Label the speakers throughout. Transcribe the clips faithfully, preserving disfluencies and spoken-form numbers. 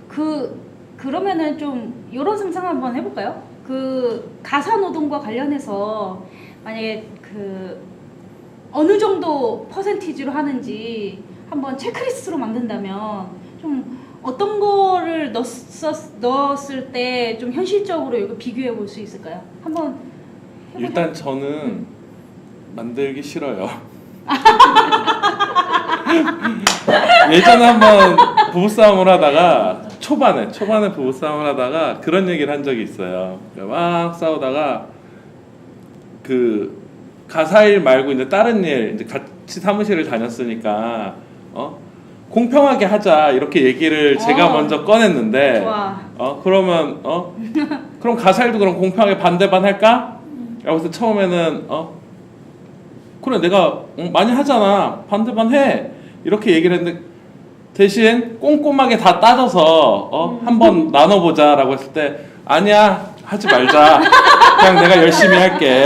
Speaker 1: 그 그러면은 좀 이런 상상 한번 해볼까요? 그 가사 노동과 관련해서 만약에 그 어느 정도 퍼센티지로 하는지 한번 체크리스트로 만든다면 좀 어떤 거를 넣었, 넣었을 때 좀 현실적으로 이거 비교해 볼 수 있을까요? 한번 해보자.
Speaker 2: 일단 저는
Speaker 1: 음.
Speaker 2: 만들기 싫어요. 예전에 한번 부부싸움을 하다가 초반에 초반에 부부싸움을 하다가 그런 얘기를 한 적이 있어요. 그러니까 막 싸우다가 그 가사 일 말고 이제 다른 일 이제 같이 사무실을 다녔으니까 어 공평하게 하자 이렇게 얘기를 제가
Speaker 1: 어.
Speaker 2: 먼저 꺼냈는데
Speaker 1: 좋아.
Speaker 2: 어 그러면 어 그럼 가사 일도 그럼 공평하게 반대반 할까? 라고 해서 처음에는 어 그래 내가 응, 많이 하잖아 반대반 해 이렇게 얘기를 했는데 대신 꼼꼼하게 다 따져서 어 한번 나눠보자라고 했을 때 아니야 하지 말자 그냥 내가 열심히 할게.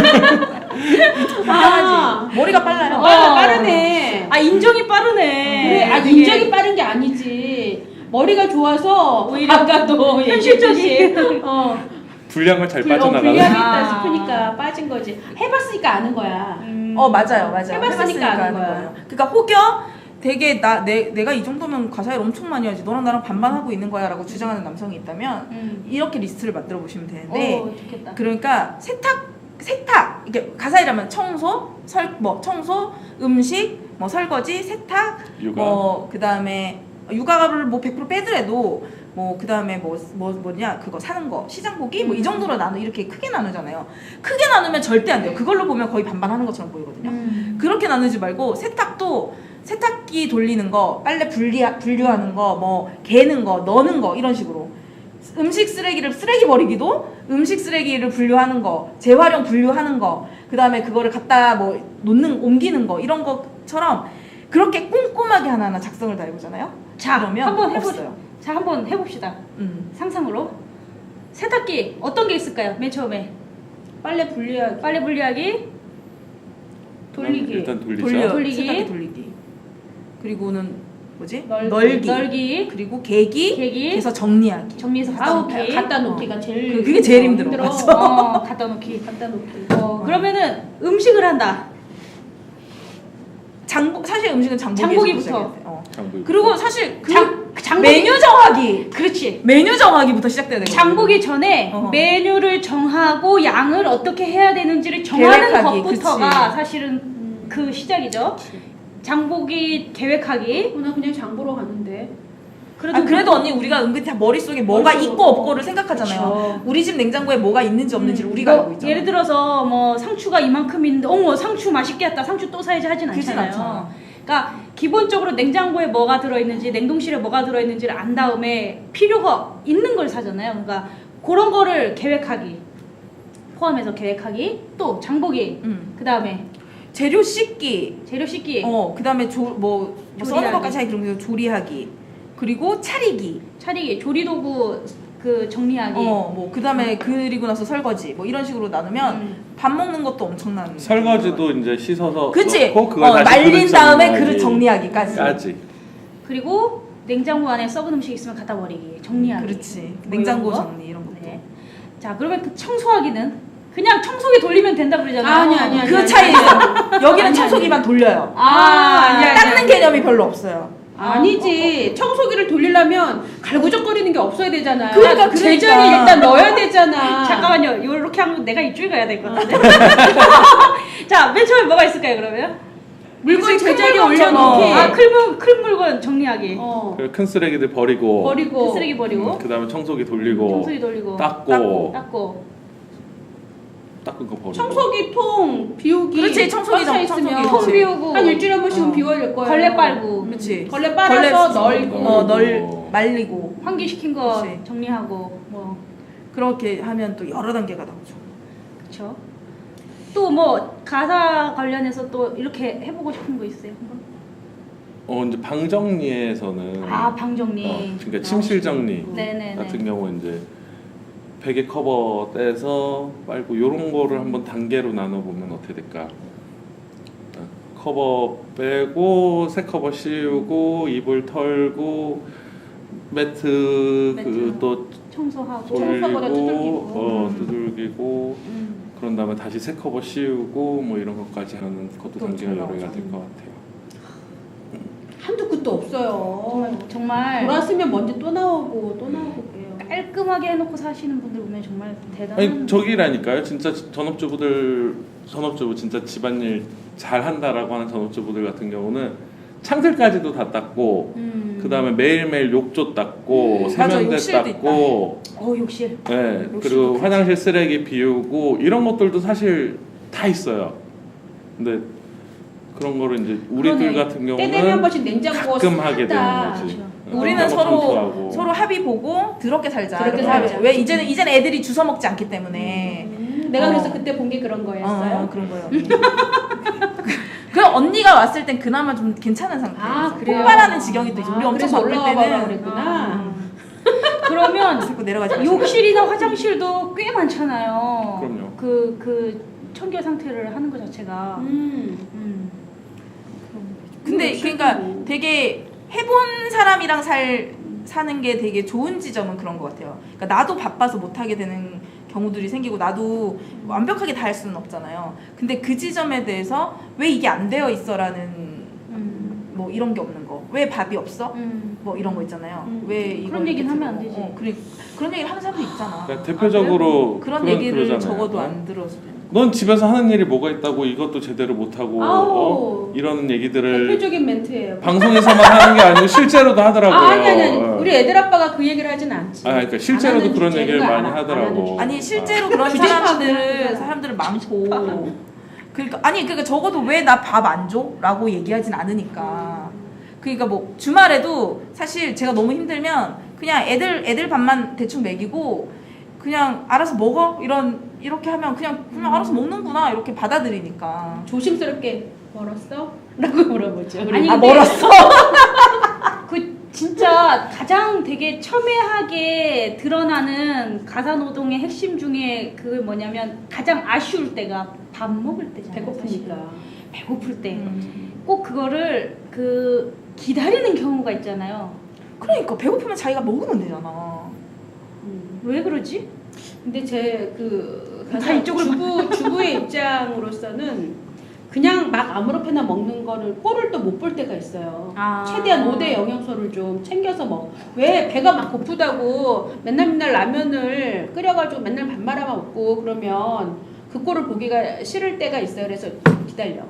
Speaker 3: 아,
Speaker 4: 머리가 빨라요.
Speaker 3: 어, 빠르네.
Speaker 1: 아 인정이 빠르네.
Speaker 3: 그래, 아,
Speaker 1: 이게
Speaker 3: 인정이 빠른 게 아니지. 머리가 좋아서
Speaker 1: 오히려
Speaker 3: 아까도
Speaker 1: 현실적인.
Speaker 3: 어,
Speaker 2: 분량을 잘
Speaker 3: 불- 어,
Speaker 2: 빠져나가는.
Speaker 3: 불리하겠다
Speaker 1: 아.
Speaker 3: 싶으니까 빠진 거지. 해봤으니까 아는 거야.
Speaker 1: 음.
Speaker 4: 어 맞아요, 맞아요.
Speaker 3: 해봤으니까 아는
Speaker 4: 하는
Speaker 3: 거야.
Speaker 4: 거예요. 그러니까 혹여 되게 나 내, 내가 이 정도면 가사일 엄청 많이 하지. 너랑 나랑 반반 하고 있는 거야라고 주장하는 남성이 있다면
Speaker 1: 음.
Speaker 4: 이렇게 리스트를 만들어 보시면 되는데.
Speaker 1: 어, 좋겠다.
Speaker 4: 그러니까 세탁 세탁 이게 가사일하면 청소, 설 뭐 청소, 음식, 뭐 설거지, 세탁,
Speaker 2: 육아.
Speaker 4: 뭐 그다음에 육아를 뭐 백 퍼센트 빼더라도 뭐 그다음에 뭐 뭐 뭐냐 그거 사는 거 시장 보기 뭐 이 정도로 나누 이렇게 크게 나누잖아요. 크게 나누면 절대 안 돼요. 그걸로 보면 거의 반반하는 것처럼 보이거든요.
Speaker 1: 음.
Speaker 4: 그렇게 나누지 말고 세탁도 세탁기 돌리는 거, 빨래 분리 분류하는 거, 뭐 개는 거, 넣는 거 이런 식으로. 음식 쓰레기를 쓰레기 버리기도 음식 쓰레기를 분류하는 거, 재활용 분류하는 거, 그 다음에 그거를 갖다 뭐 놓는 옮기는 거 이런 것처럼 그렇게 꼼꼼하게 하나하나 작성을 다 해보잖아요.
Speaker 1: 자,
Speaker 4: 그러면
Speaker 1: 한번 해보.
Speaker 4: 없어요.
Speaker 1: 자, 한번 해봅시다.
Speaker 4: 음.
Speaker 1: 상상으로 세탁기 어떤 게 있을까요? 맨 처음에
Speaker 3: 빨래 분리하기,
Speaker 1: 빨래 분리하기,
Speaker 3: 돌리기.
Speaker 2: 일단 돌리죠.
Speaker 4: 돌려
Speaker 1: 돌리기.
Speaker 4: 세탁기 돌리기. 그리고는 뭐지?
Speaker 3: 널기.
Speaker 4: 널기.
Speaker 1: 널기,
Speaker 4: 그리고 개기.
Speaker 1: 개기,
Speaker 4: 그래서 정리하기.
Speaker 1: 정리해서 갖다
Speaker 3: 아우,
Speaker 1: 놓기.
Speaker 3: 갖다 놓기가 제일
Speaker 4: 그- 그게 제일 힘들어. 맞아.
Speaker 1: 어, 갖다 놓기.
Speaker 3: 갖다 놓기.
Speaker 1: 어, 그러면은 음식을 한다.
Speaker 4: 장보 사실 음식은 장보기에서
Speaker 1: 장보기부터.
Speaker 4: 시작해야 돼. 어.
Speaker 2: 장부.
Speaker 4: 그리고 사실 그
Speaker 1: 장, 장보기.
Speaker 4: 메뉴 정하기.
Speaker 1: 그렇지.
Speaker 4: 메뉴 정하기부터 시작돼야 되거든요.
Speaker 1: 장보기 전에
Speaker 4: 어.
Speaker 1: 메뉴를 정하고 양을 어떻게 해야 되는지를 정하는
Speaker 4: 계획하기,
Speaker 1: 것부터가
Speaker 4: 그치.
Speaker 1: 사실은
Speaker 3: 음.
Speaker 1: 그 시작이죠. 장보기 계획하기.
Speaker 3: 어, 나 그냥 장 보러 갔는데.
Speaker 1: 그래도
Speaker 4: 아, 그래도 언니 우리가 은근히 다 머릿속에 뭐가
Speaker 3: 머릿속-
Speaker 4: 있고 없고를 생각하잖아요.
Speaker 3: 그쵸.
Speaker 4: 우리 집 냉장고에 뭐가 있는지 없는지를
Speaker 1: 음,
Speaker 4: 우리가
Speaker 1: 뭐
Speaker 4: 알고 있잖아.
Speaker 1: 예를 들어서 뭐 상추가 이만큼 있는데 어머 상추 맛있겠다 상추 또 사야지 하진
Speaker 4: 그러진
Speaker 1: 않잖아요.
Speaker 4: 않잖아.
Speaker 1: 그러니까 기본적으로 냉장고에 뭐가 들어있는지 냉동실에 뭐가 들어있는지를 안 다음에 필요가 있는 걸 사잖아요. 그러니까 그런 거를 계획하기 포함해서 계획하기 또 장보기
Speaker 4: 음.
Speaker 1: 그 다음에
Speaker 4: 재료 씻기.
Speaker 1: 재료 씻기
Speaker 4: 어, 그다음에 조, 뭐, 뭐 써는
Speaker 1: 조리하기.
Speaker 4: 것까지 하기 그런 거 조리하기. 그리고 차리기.
Speaker 1: 차리기 조리도구 그 정리하기
Speaker 4: 어, 뭐 그다음에 그리고 나서 설거지. 뭐 이런 식으로 나누면
Speaker 1: 음.
Speaker 4: 밥 먹는 것도 엄청난.
Speaker 2: 설거지도 이제 씻어서
Speaker 4: 그치?
Speaker 2: 넣고 그걸
Speaker 4: 어,
Speaker 2: 다시
Speaker 4: 말린
Speaker 2: 그릇
Speaker 4: 다음에
Speaker 2: 정리하기.
Speaker 4: 그릇 정리하기까지.
Speaker 2: 까지.
Speaker 1: 그리고 냉장고 안에 썩은 음식 있으면 갖다 버리기 정리하기
Speaker 4: 그렇지.
Speaker 1: 뭐
Speaker 4: 냉장고
Speaker 1: 이런 거?
Speaker 4: 정리 이런 것도.
Speaker 1: 네. 자 그러면 그 청소하기는 그냥 청소기 돌리면 된다 그러잖아요.
Speaker 3: 아니, 아니, 아니.
Speaker 4: 그 차이 있어. 여기는
Speaker 3: 아니,
Speaker 4: 청소기만 돌려요.
Speaker 3: 아, 아니, 아니,
Speaker 4: 닦는
Speaker 3: 아니.
Speaker 4: 개념이 별로 없어요.
Speaker 3: 아니지. 청소기를 돌리려면 갈구적거리는 게 없어야 되잖아요.
Speaker 4: 그러니까,
Speaker 3: 그 제자리에
Speaker 4: 그러니까.
Speaker 3: 일단 넣어야 되잖아.
Speaker 1: 잠깐만요. 이렇게 하면 내가 입줄 가야 될 것 같은데. 자, 맨 처음에 뭐가 있을까요, 그러면?
Speaker 3: 물건
Speaker 4: 그치,
Speaker 3: 제자리에
Speaker 4: 큰 물건처럼.
Speaker 3: 올려놓기.
Speaker 1: 아, 큰, 물, 큰 물건 정리하기.
Speaker 3: 어.
Speaker 2: 그리고 큰 쓰레기들 버리고.
Speaker 3: 버리고.
Speaker 1: 그 쓰레기 버리고.
Speaker 2: 그 다음에 청소기 돌리고.
Speaker 1: 청소기 돌리고.
Speaker 2: 닦고.
Speaker 4: 닦고.
Speaker 1: 닦고.
Speaker 2: 닦은 거 버리고.
Speaker 3: 청소기 통 비우기.
Speaker 4: 그렇지, 청소기
Speaker 3: 꽉차
Speaker 4: 정- 청소기
Speaker 3: 있으면
Speaker 4: 그렇지.
Speaker 1: 통 비우고.
Speaker 3: 한 일주일에 한 번씩은
Speaker 4: 어.
Speaker 3: 비워야 될 거예요.
Speaker 1: 걸레 빨고.
Speaker 4: 그렇지.
Speaker 3: 걸레 빨아서 널고.
Speaker 4: 어, 널 말리고.
Speaker 1: 환기시킨 거
Speaker 4: 그치.
Speaker 1: 정리하고. 뭐.
Speaker 4: 그렇게 하면 또 여러 단계가 나오죠.
Speaker 1: 그쵸. 또 뭐, 가사 관련해서 또 이렇게 해보고 싶은 거 있어요? 한번?
Speaker 2: 어 이제 방 정리에서는
Speaker 1: 아, 방 정리.
Speaker 2: 어, 그러니까 침실 정리
Speaker 1: 네네네.
Speaker 2: 같은 경우 이제 베개 커버 떼서 빨고 요런 거를 한번 단계로 나눠 보면 어떻게 될까? 어, 커버 빼고 새 커버 씌우고 이불 털고 매트
Speaker 1: 매트.
Speaker 2: 그또
Speaker 1: 청소하고
Speaker 3: 청소보다
Speaker 2: 돌리고
Speaker 3: 두들기고.
Speaker 2: 어
Speaker 1: 음.
Speaker 2: 두들기고
Speaker 1: 음.
Speaker 2: 그런 다음에 다시 새 커버 씌우고 뭐 이런 것까지 하는 것도
Speaker 4: 또
Speaker 2: 단계가 여러
Speaker 4: 엄청
Speaker 2: 개가 될 것 같아요.
Speaker 3: 한두 끝도 없어요.
Speaker 1: 정말
Speaker 3: 돌았으면 먼지 또 나오고 또 나오고 그래요.
Speaker 1: 깔끔하게 해놓고 사시는 분들 보면 정말 대단한.
Speaker 2: 아니 저기라니까요. 진짜 전업주부들 전업주부 진짜 집안일 잘 한다라고 하는 전업주부들 같은 경우는 창틀까지도 다 닦고
Speaker 1: 음.
Speaker 2: 그 다음에 매일매일 욕조 닦고
Speaker 4: 맞아,
Speaker 2: 세면대
Speaker 4: 욕실도
Speaker 2: 닦고
Speaker 1: 어 욕실.
Speaker 2: 네,
Speaker 4: 욕실도
Speaker 2: 그리고
Speaker 4: 크지.
Speaker 2: 화장실 쓰레기 비우고 이런 것들도 사실 다 있어요. 근데 그런 거를 이제 우리들
Speaker 1: 그러네.
Speaker 2: 같은
Speaker 3: 때 되면 한
Speaker 2: 경우는
Speaker 3: 번씩 냉장고
Speaker 2: 가끔 하게 되는
Speaker 3: 싹다
Speaker 2: 거지.
Speaker 1: 그렇죠.
Speaker 2: 어,
Speaker 4: 우리는
Speaker 2: 냉장고
Speaker 4: 서로
Speaker 2: 청소하고.
Speaker 4: 서로 합의 보고 더럽게 살자.
Speaker 3: 더럽게
Speaker 4: 이렇게
Speaker 3: 살자.
Speaker 4: 하죠. 왜 이제는 이제는 애들이 주워 먹지 않기 때문에.
Speaker 3: 음, 내가
Speaker 4: 어.
Speaker 3: 그래서 그때 본 게 그런 거였어요.
Speaker 4: 어, 그런 거예요. 그럼 언니가 왔을 땐 그나마 좀 괜찮은 상태였어.
Speaker 3: 아, 그래요?
Speaker 4: 폭발하는 지경이 또 있어. 우리
Speaker 3: 아,
Speaker 4: 엄청
Speaker 3: 그래서
Speaker 4: 바쁠
Speaker 3: 올라가 봐라
Speaker 4: 때는
Speaker 3: 그랬구나.
Speaker 1: 그러면
Speaker 4: 자꾸 내려가지 마시고.
Speaker 1: 욕실이나 화장실도 꽤 많잖아요.
Speaker 2: 그럼요.
Speaker 1: 그, 그 청결 상태를 하는 것 자체가.
Speaker 3: 음.
Speaker 1: 음.
Speaker 4: 근데
Speaker 3: 욕실도
Speaker 4: 그러니까
Speaker 3: 뭐.
Speaker 4: 되게 해본 사람이랑 살 사는 게 되게 좋은 지점은 그런 것 같아요. 그러니까 나도 바빠서 못 하게 되는 경우들이 생기고 나도 완벽하게 다 할 수는 없잖아요. 근데 그 지점에 대해서 왜 이게 안 되어 있어라는
Speaker 1: 음.
Speaker 4: 뭐 이런 게 없는 거. 왜 밥이 없어?
Speaker 1: 음.
Speaker 4: 뭐 이런 거 있잖아요.
Speaker 3: 음.
Speaker 4: 왜 이걸
Speaker 1: 그런 얘기는
Speaker 4: 이렇게
Speaker 1: 하면 안
Speaker 4: 들어?
Speaker 1: 되지.
Speaker 4: 어, 그래, 그런 얘기를 하는 사람도 있잖아.
Speaker 2: 그러니까 대표적으로
Speaker 4: 그런
Speaker 2: 그런-
Speaker 4: 얘기를
Speaker 2: 그러잖아요.
Speaker 4: 적어도
Speaker 2: 어?
Speaker 4: 안 들어주면.
Speaker 2: 넌 집에서 하는 일이 뭐가 있다고 이것도 제대로 못하고
Speaker 3: 아우.
Speaker 2: 어? 이런 얘기들을
Speaker 3: 대표적인 멘트예요.
Speaker 2: 방송에서만 하는 게 아니고 실제로도 하더라고요.
Speaker 3: 아, 아니 아니 아니.
Speaker 2: 어.
Speaker 3: 우리 애들 아빠가 그 얘기를 하진 않지.
Speaker 2: 아, 그러니까 실제로도
Speaker 3: 안 하는
Speaker 2: 그런
Speaker 3: 주제는
Speaker 2: 얘기를
Speaker 3: 안
Speaker 2: 많이
Speaker 3: 하- 안
Speaker 2: 하더라고.
Speaker 3: 하는 주제.
Speaker 4: 아니 실제로 그런
Speaker 3: 주제
Speaker 4: 사람들
Speaker 3: 파악을
Speaker 4: 사람들은 많고 그러니까 아니 그러니까 적어도 왜 나 밥 안 줘? 라고 얘기하진 않으니까 그러니까 뭐 주말에도 사실 제가 너무 힘들면 그냥 애들 애들 밥만 대충 먹이고 그냥 알아서 먹어 이런 이렇게 하면 그냥 그냥 알아서 먹는구나 이렇게 받아들이니까
Speaker 3: 조심스럽게 멀었어? 라고 물어보죠.
Speaker 1: 아니,
Speaker 4: 아
Speaker 1: 근데-
Speaker 4: 멀었어
Speaker 1: 그 진짜 가장 되게 첨예하게 드러나는 가사노동의 핵심 중에 그 뭐냐면 가장 아쉬울 때가 밥 먹을 때잖아요.
Speaker 3: 배고프니까.
Speaker 1: 사실. 배고플 때.
Speaker 4: 음.
Speaker 1: 꼭 그거를 그 기다리는 경우가 있잖아요.
Speaker 4: 그러니까 배고프면 자기가 먹으면 되잖아
Speaker 3: 음.
Speaker 1: 왜 그러지?
Speaker 3: 근데 제그
Speaker 1: 다 이쪽을
Speaker 3: 주부 주부의 입장으로서는 그냥 막 아무렇게나 먹는 거를 꼴을 또 못 볼 때가 있어요.
Speaker 1: 아.
Speaker 3: 최대한 오 대 영양소를 좀 챙겨서 먹. 왜 배가 막 고프다고 맨날 맨날 라면을 끓여가지고 맨날 밥 말아 먹고 그러면 그 꼴을 보기가 싫을 때가 있어요. 그래서 기다려.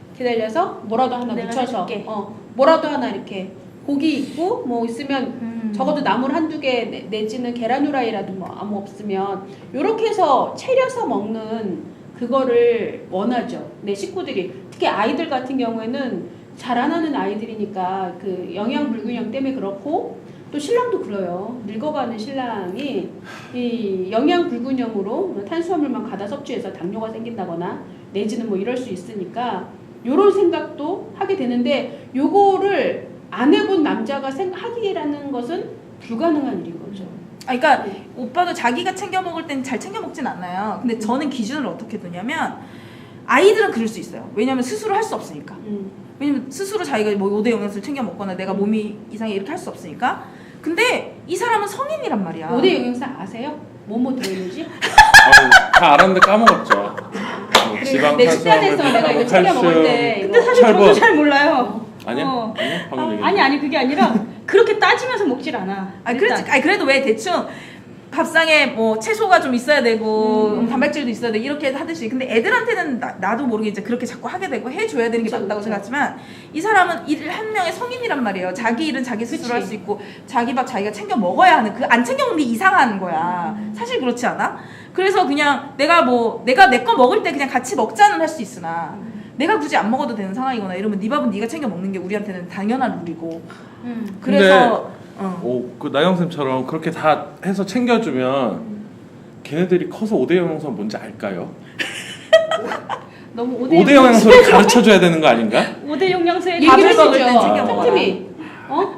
Speaker 3: 기다려서 뭐라도 하나
Speaker 1: 내가
Speaker 3: 묻혀서
Speaker 1: 해줄게.
Speaker 3: 어 뭐라도 하나 이렇게 고기 있고 뭐 있으면
Speaker 1: 음.
Speaker 3: 적어도 나물 한두 개 내- 내지는 계란 후라이라도 뭐 아무 없으면 요렇게 해서 차려서 먹는 그거를 원하죠. 내 식구들이 특히 아이들 같은 경우에는 자라나는 아이들이니까 그 영양 불균형 때문에 그렇고 또 신랑도 그래요. 늙어가는 신랑이 이 영양 불균형으로 탄수화물만 과다 섭취해서 당뇨가 생긴다거나 내지는 뭐 이럴 수 있으니까 요런 생각도 하게 되는데 요거를 안 해본 남자가 생- 하기라는 것은 불가능한 일인 거죠.
Speaker 4: 아, 그러니까 오빠도 자기가 챙겨 먹을 땐 잘 챙겨 먹진 않아요. 근데 저는 기준을 어떻게 두냐면 아이들은 그럴 수 있어요. 왜냐면 스스로 할 수 없으니까.
Speaker 3: 음.
Speaker 4: 왜냐면 스스로 자기가 뭐 오 대 영양소를 챙겨 먹거나 내가 몸이 이상해 이렇게 할 수 없으니까. 근데 이 사람은 성인이란 말이야.
Speaker 3: 오 대 영양사 아세요? 뭐뭐 들어있는지?
Speaker 2: 아유, 다 알았는데 까먹었죠. 뭐
Speaker 3: 그래,
Speaker 2: 지방,
Speaker 3: 내
Speaker 2: 탄수화물,
Speaker 3: 식단에서 내가 이거 챙겨 먹을
Speaker 2: 칼슘.
Speaker 3: 때
Speaker 1: 근데
Speaker 3: 이거
Speaker 1: 사실 저도
Speaker 2: 철분.
Speaker 1: 잘 몰라요.
Speaker 2: 아니야?
Speaker 1: 어.
Speaker 2: 아니야? 방금 얘기했는데.
Speaker 1: 아니 아니 그게 아니라 그렇게 따지면서 먹질 않아.
Speaker 4: 아,
Speaker 1: 일단.
Speaker 4: 그렇지. 아니, 그래도 왜 대충 밥상에 뭐 채소가 좀 있어야 되고
Speaker 1: 음.
Speaker 4: 음, 단백질도 있어야 되고 이렇게 하듯이 근데 애들한테는 나, 나도 모르게 이제 그렇게 자꾸 하게 되고 해줘야 되는 게
Speaker 3: 그쵸,
Speaker 4: 맞다고
Speaker 3: 그쵸.
Speaker 4: 생각하지만 이 사람은 일 한 명의 성인이란 말이에요. 자기 일은 자기 스스로
Speaker 3: 그치.
Speaker 4: 할 수 있고 자기 밥 자기가 챙겨 먹어야 하는 그 안 챙겨 먹는 게 이상한 거야.
Speaker 1: 음.
Speaker 4: 사실 그렇지 않아? 그래서 그냥 내가 뭐 내가 내 거 먹을 때 그냥 같이 먹자는 할 수 있으나 내가 굳이 안 먹어도 되는 상황이거나 이러면 네 밥은 네가 챙겨 먹는 게 우리한테는 당연한 룰이고
Speaker 1: 음.
Speaker 4: 그래서 어.
Speaker 2: 오, 그 나영쌤처럼 그렇게 다 해서 챙겨주면 걔네들이 커서 오 대 영양소 뭔지 알까요?
Speaker 1: 너무
Speaker 2: 오 대 영양소를 가르쳐줘야 되는 거 아닌가?
Speaker 1: 오 대 영양소에
Speaker 4: 밥을
Speaker 3: 얘기를
Speaker 4: 먹을
Speaker 3: 했었죠.
Speaker 4: 땐 챙겨 먹어라.
Speaker 3: 틈틈이. 어?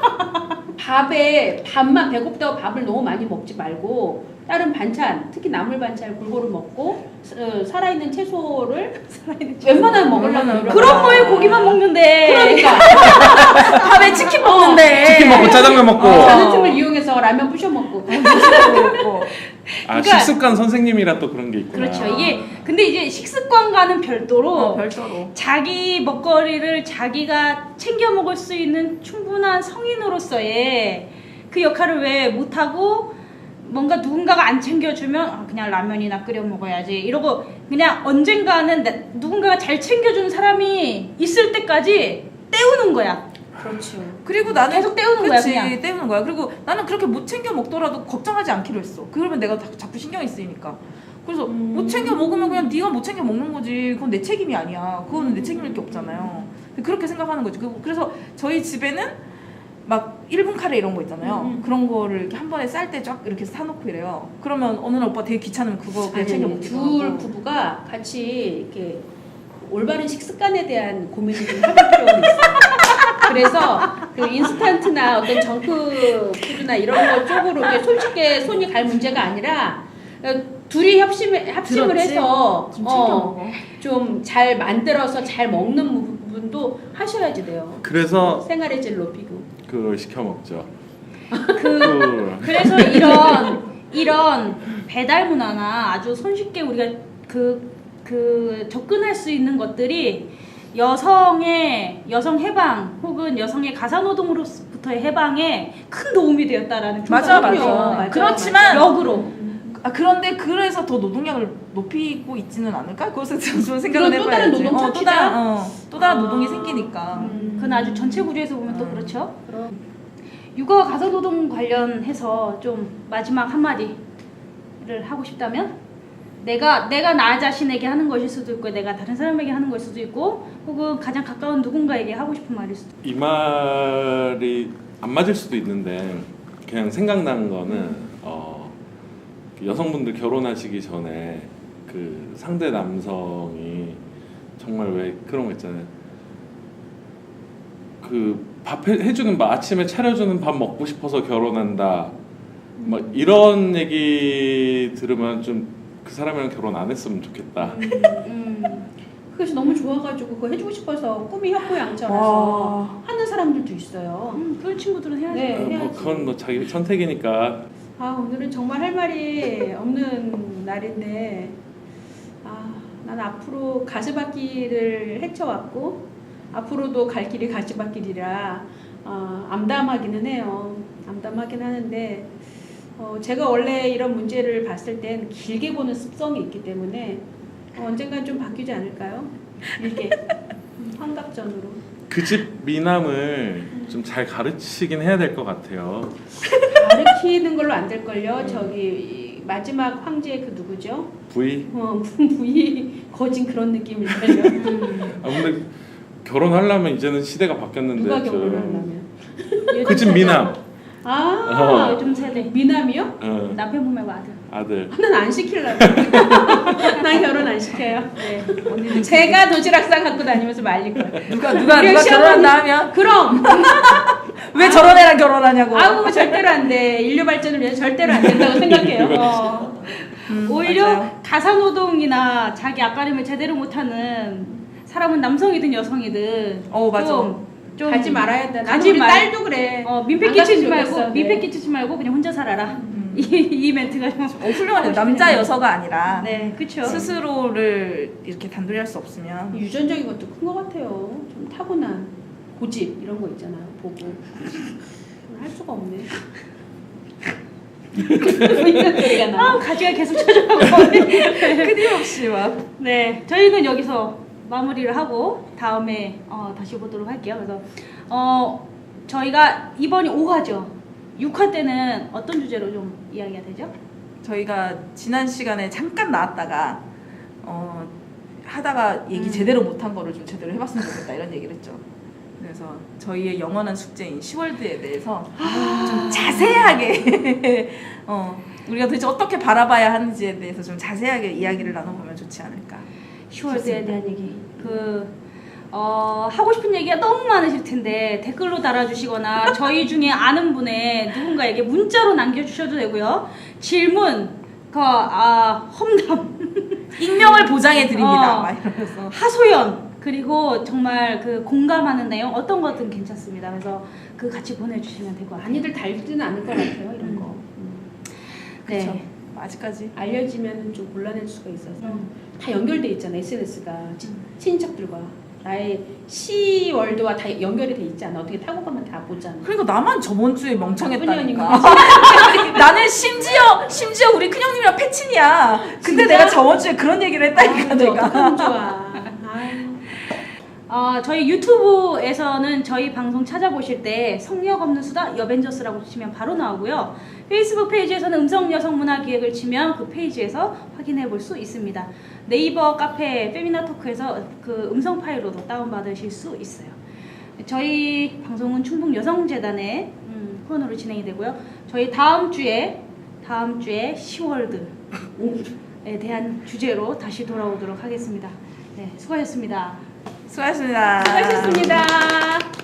Speaker 3: 밥에 밥만 배고프다고 밥을 너무 많이 먹지 말고 다른 반찬, 특히 나물 반찬을 골고루 먹고 어, 살아있는 채소를 웬만하면 먹으려고 노력을
Speaker 1: 그런
Speaker 3: 하고.
Speaker 1: 거에 고기만 먹는데.
Speaker 3: 그러니까
Speaker 4: 밥에 치킨 먹는데
Speaker 2: 치킨 먹고 짜장면 먹고.
Speaker 3: 어, 자는 틈을 이용해서 라면 부셔 먹고.
Speaker 4: 먹고.
Speaker 2: 아
Speaker 1: 그러니까-
Speaker 2: 식습관 선생님이라 또 그런 게 있구나.
Speaker 1: 그렇죠. 이게 근데 이제 식습관과는 별도로
Speaker 4: 어, 별도로.
Speaker 1: 자기 먹거리를 자기가 챙겨 먹을 수 있는 충분한 성인으로서의 그 역할을 왜 못하고 뭔가 누군가가 안 챙겨주면 아, 그냥 라면이나 끓여 먹어야지 이러고 그냥 언젠가는 나- 누군가가 잘 챙겨주는 사람이 있을 때까지 때우는 거야.
Speaker 3: 그렇죠.
Speaker 4: 그리고 나는
Speaker 1: 계속 때우는 거야,
Speaker 4: 그치,
Speaker 1: 그냥.
Speaker 4: 때우는 거야. 그리고 나는 그렇게 못 챙겨 먹더라도 걱정하지 않기로 했어. 그러면 내가 자- 자꾸 신경이 쓰이니까. 그래서
Speaker 3: 음.
Speaker 4: 못 챙겨 먹으면 그냥 네가 못 챙겨 먹는 거지. 그건 내 책임이 아니야. 그거는 내 책임일 게 없잖아요. 그렇게 생각하는 거지. 그- 그래서 저희 집에는 막 일 분 카레 이런 거 있잖아요.
Speaker 3: 음, 음.
Speaker 4: 그런 거를 이렇게 한 번에 쌀 때 쫙 이렇게 사놓고 이래요. 그러면 어느 날 오빠 되게 귀찮으면 그거 그냥
Speaker 3: 아니,
Speaker 4: 챙겨
Speaker 3: 아니,
Speaker 4: 먹기도
Speaker 3: 둘
Speaker 4: 하고.
Speaker 3: 부부가 같이 이렇게 올바른 식습관에 대한 고민을 좀 해볼 필요가 있어요. 그래서 그 인스턴트나 어떤 정크푸드나 이런 거 쪽으로 이렇게 솔직히 손이 갈 문제가 아니라 둘이 협심을, 합심을
Speaker 4: 들었지?
Speaker 3: 해서
Speaker 4: 좀 챙겨 먹어.
Speaker 3: 좀 잘 만들어서 잘 먹는 부분도 하셔야지 돼요.
Speaker 2: 그래서
Speaker 3: 생활의 질 높이고.
Speaker 2: 그걸 시켜 먹죠.
Speaker 1: 그
Speaker 2: 그
Speaker 1: 그래서 이런 이런 배달 문화나 아주 손쉽게 우리가 그, 그 접근할 수 있는 것들이 여성의 여성 해방 혹은 여성의 가사노동으로부터의 해방에 큰 도움이 되었다라는
Speaker 4: 맞아,
Speaker 1: 평가가
Speaker 4: 맞아.
Speaker 1: 있어요.
Speaker 3: 맞아,
Speaker 4: 그렇지만
Speaker 1: 역으로
Speaker 4: 아 그런데 그래서 더 노동력을 높이고 있지는 않을까? 그것을 좀 생각을
Speaker 3: 그건 또 다른
Speaker 4: 해봐야지.
Speaker 3: 노동
Speaker 4: 어, 또
Speaker 3: 착취다?
Speaker 4: 다른 어, 또 다른
Speaker 3: 아.
Speaker 4: 노동이 생기니까.
Speaker 3: 음.
Speaker 1: 그건 아주 전체 구조에서 보면 또
Speaker 4: 음.
Speaker 1: 그렇죠.
Speaker 3: 그럼.
Speaker 1: 육아와 가사노동 관련해서 좀 마지막 한마디를 하고 싶다면 내가 내가 나 자신에게 하는 것일 수도 있고 내가 다른 사람에게 하는 것일 수도 있고 혹은 가장 가까운 누군가에게 하고 싶은 말일 수도 있고
Speaker 2: 이 말이 안 맞을 수도 있는데 그냥 생각나는 거는 어, 여성분들 결혼하시기 전에 그 상대 남성이 정말 왜 그런 거 있잖아요. 그 밥 해주는 밥 아침에 차려주는 밥 먹고 싶어서 결혼한다. 막 이런 얘기 들으면 좀 그 사람이랑 결혼 안 했으면 좋겠다.
Speaker 1: 음,
Speaker 3: 그것이 너무 좋아가지고 그거 해주고 싶어서 꿈이
Speaker 4: 와.
Speaker 3: 협고양처라서 하는 사람들도 있어요.
Speaker 1: 음, 그런 친구들은 해야지.
Speaker 3: 네.
Speaker 2: 어, 뭐
Speaker 3: 해야지.
Speaker 2: 그건 뭐 자기 선택이니까.
Speaker 3: 아 오늘은 정말 할 말이 없는 날인데 아, 난 앞으로 가시밭길을 헤쳐왔고 앞으로도 갈 길이 가시밭길이라 어, 암담하기는 해요. 암담하긴 하는데 어, 제가 원래 이런 문제를 봤을 땐 길게 보는 습성이 있기 때문에 어, 언젠간 좀 바뀌지 않을까요? 길게 음, 환갑전으로.
Speaker 2: 그 집 미남을 좀 잘 가르치긴 해야 될 것 같아요.
Speaker 3: 가르치는 걸로 안 될걸요. 저기 이 마지막 황제 그 누구죠?
Speaker 2: 부이.
Speaker 3: 어, 부이 거진 그런 느낌일걸요.
Speaker 1: 음,
Speaker 2: 아 근데 결혼하려면 이제는 시대가 바뀌었는데
Speaker 3: 누가
Speaker 2: 좀-
Speaker 3: 결혼을 하려면?
Speaker 2: 그 집 미남.
Speaker 3: 아
Speaker 2: 어.
Speaker 1: 요즘 세대
Speaker 3: 미남이요?
Speaker 2: 어,
Speaker 1: 남편분 말고 아들.
Speaker 2: 아들.
Speaker 3: 난 안 시키려고. 난 결혼 안 시켜요.
Speaker 1: 네.
Speaker 4: 언니는
Speaker 3: 제가 도시락상 갖고 다니면서 말릴 거야.
Speaker 4: 누가 누가
Speaker 3: 우리
Speaker 4: 누가
Speaker 3: 시어머니-
Speaker 4: 결혼한다 하면
Speaker 3: 그럼
Speaker 4: 왜 저런 애랑 결혼하냐고.
Speaker 3: 아우 절대로 안 돼. 인류 발전을 위해서 절대로 안 된다고 생각해요.
Speaker 1: 어,
Speaker 4: 음,
Speaker 1: 오히려
Speaker 4: 맞아요.
Speaker 1: 가사노동이나 자기 앞가림을 제대로 못하는 사람은 남성이든 여성이든
Speaker 4: 어 맞아.
Speaker 1: 좀, 좀
Speaker 3: 가지 말아야 돼. 나도
Speaker 1: 가지
Speaker 3: 우리
Speaker 1: 말-
Speaker 3: 딸도 그래.
Speaker 1: 어, 민폐
Speaker 3: 안
Speaker 1: 끼치지
Speaker 3: 갔으면
Speaker 1: 말고
Speaker 3: 좋겠어.
Speaker 1: 민폐
Speaker 3: 네.
Speaker 1: 끼치지 말고 그냥 혼자 살아라.
Speaker 4: 음.
Speaker 1: 이, 이 멘트가 좀
Speaker 4: 어, 훌륭하네요.
Speaker 1: 하고
Speaker 4: 남자
Speaker 1: 싶네요.
Speaker 4: 여서가 아니라
Speaker 1: 네, 그렇죠.
Speaker 4: 스스로를 이렇게 단둘이 할 수 없으면
Speaker 3: 유전적인 것도 큰 것 같아요. 좀 타고난 고집 이런 거 있잖아요. 보고 할 수가 없네. 이런 소리가 나.
Speaker 1: 아, 가지가 계속 쳐져가고.
Speaker 4: 끊임없이 막
Speaker 1: 네, 저희는 여기서 마무리를 하고 다음에 어, 다시 보도록 할게요. 그래서 어, 저희가 이번이 오 화죠. 육 화 때는 어떤 주제로 좀 이야기가 되죠?
Speaker 4: 저희가 지난 시간에 잠깐 나왔다가 어, 하다가 얘기
Speaker 1: 음.
Speaker 4: 제대로 못한 거를 좀 제대로 해봤으면 좋겠다 이런 얘기를 했죠. 그래서 저희의 영원한 숙제인 시월드에 대해서 좀 자세하게 어, 우리가 도대체 어떻게 바라봐야 하는지에 대해서 좀 자세하게 이야기를 나눠보면 좋지 않을까.
Speaker 1: 시월드에 대한 얘기. 그 어, 하고 싶은 얘기가 너무 많으실 텐데 댓글로 달아주시거나 저희 중에 아는 분의 누군가에게 문자로 남겨주셔도 되고요. 질문, 그 아, 험담,
Speaker 4: 익명을 보장해 드립니다.
Speaker 1: 어.
Speaker 4: 막 이러면서
Speaker 1: 하소연 그리고 정말 그 공감하는 내용 어떤 것든 괜찮습니다. 그래서 그 같이 보내주시면 될 것 같아요.
Speaker 3: 많이들 달지는 않을 것 같아요 이런 거.
Speaker 1: 네.
Speaker 4: 그쵸. 아직까지.
Speaker 3: 알려지면 좀 곤란할 수가 있어서
Speaker 1: 음.
Speaker 3: 다 연결돼 있잖아 에스엔에스가 친인척들과 나의 시월드와 다 연결이 돼 있잖아. 어떻게 타고 가면 다 보잖아.
Speaker 4: 그러니까 나만 저번 주에
Speaker 3: 나쁜
Speaker 4: 멍청했다니까.
Speaker 3: 년인가?
Speaker 4: 나는 심지어 심지어 우리 큰형님이랑 패친이야. 근데
Speaker 3: 진짜?
Speaker 4: 내가 저번 주에 그런 얘기를 했다니까
Speaker 3: 아,
Speaker 4: 내가.
Speaker 3: 어떡하면 좋아. 아유.
Speaker 1: 어, 저희 유튜브에서는 저희 방송 찾아보실 때 성역 없는 수다 여벤져스라고 치면 바로 나오고요. 페이스북 페이지에서는 음성 여성 문화 기획을 치면 그 페이지에서 확인해 볼 수 있습니다. 네이버 카페 페미나 토크에서 그 음성 파일로도 다운받으실 수 있어요. 저희 방송은 충북 여성재단의 음, 후원으로 진행이 되고요. 저희 다음 주에 다음 주에 시월드에 대한 주제로 다시 돌아오도록 하겠습니다. 네, 수고하셨습니다.
Speaker 4: 수고하셨습니다.
Speaker 3: 수고하셨습니다.